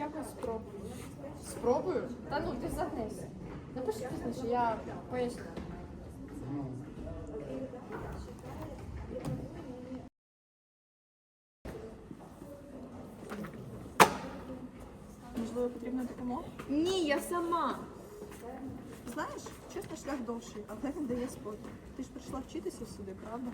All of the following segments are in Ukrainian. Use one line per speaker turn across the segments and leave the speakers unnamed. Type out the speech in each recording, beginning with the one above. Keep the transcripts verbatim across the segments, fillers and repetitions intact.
якось спробую.
Спробую?
Та ну, ти загнися. Напиши пізніше, я поясню.
Можливо, потрібна допомога?
Ні, я сама.
Знаєш, чесно, шлях довший, але він дає спокій. Ти ж прийшла вчитися сюди, правда?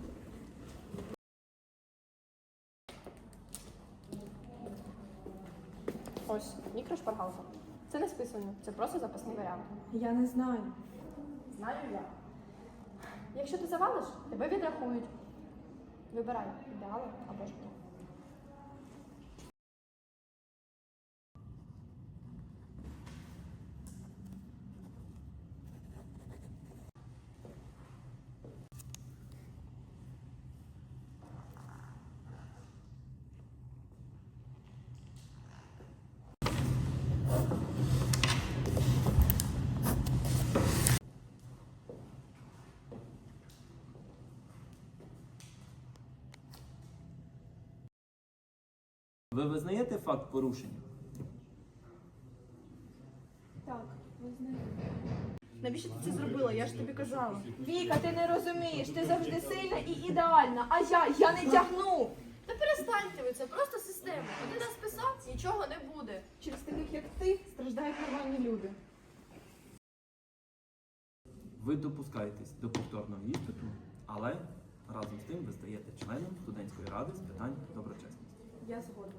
Ось, мікрошпаргалка. Це не списування, це просто запасний варіант.
Я не знаю.
Знаю я. Якщо ти завалиш, тебе відрахують. Вибирай, ідеали або життя.
Ви визнаєте факт порушення?
Так, визнаю. Навіщо ти це зробила? Я ж тобі казала.
Віка, ти не розумієш, ти завжди сильна і ідеальна, а я, я не тягну.
Та перестаньте ви, це просто система. Один раз писав, нічого не буде.
Через таких, як ти, страждають нормальні люди.
Ви допускаєтесь до повторного іспиту, але разом з тим ви стаєте членом студентської ради з питань доброчесності.
Я згодна.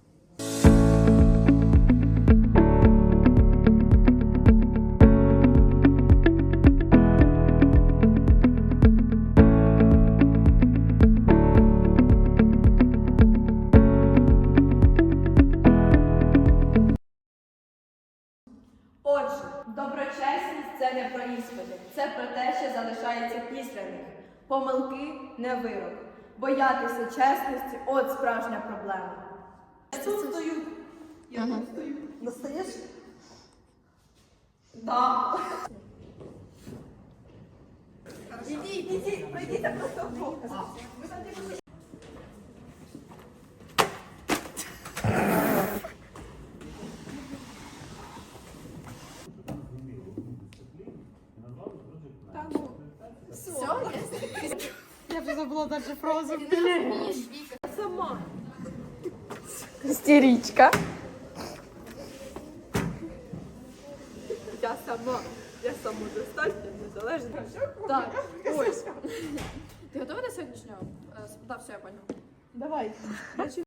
Отже, доброчесність – це не про іспити, це про те, що залишається після них. Помилки – не вирок. Боятися чесності – от справжня проблема.
Я тут стою. Я тут стою. Настаєш?
Да.
Ідіть, ідіть, пройдіть просто вдвох. Ви там тільки
Я вже забула далі фразу.
Ти не розумієш, Віка.
сама.
Істеричка.
Я сама. Я самодостатня, незалежна.
Так, ось. Ти готова до сьогоднішнього? Е, Так, все, я поняла.
Давай.